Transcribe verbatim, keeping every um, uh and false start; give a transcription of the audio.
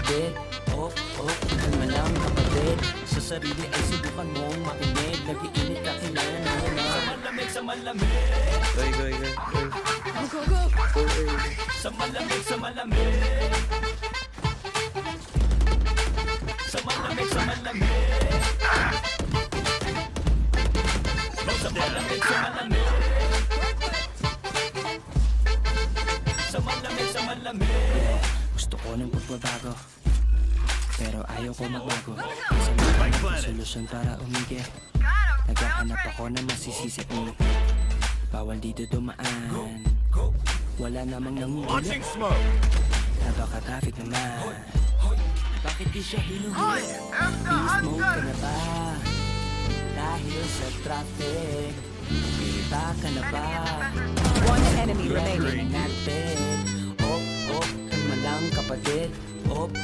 kapatid. Oh, oh, kalma lang kapatid. Sa sarili ay subukan mong makinig. Nag-iinit ka kailangan na yun. Sa malamig, sa malamig. Goy, goy, goy, goy. Go, go, go! Goy, goy. Sa malamig, sa malamig. Sa malamig, sa malamig. Sa malamig, sa malamig. Sa malamig, sa malamig. Gusto ko ng pagbabago, pero ayaw ko magbago. Sa mga solusyon para umigil. Naghahanap ako ng masisisi. Bawal dito dumaan. Wala namang nanguhuli. Napaka-traffic naman. Bakit di siya hinuhuli? Di-smoke ka na ba? Dahil sa traffic, kita ka na ba? One enemy remaining. Natin. Oh, oh, kalma lang kapatid. Oh,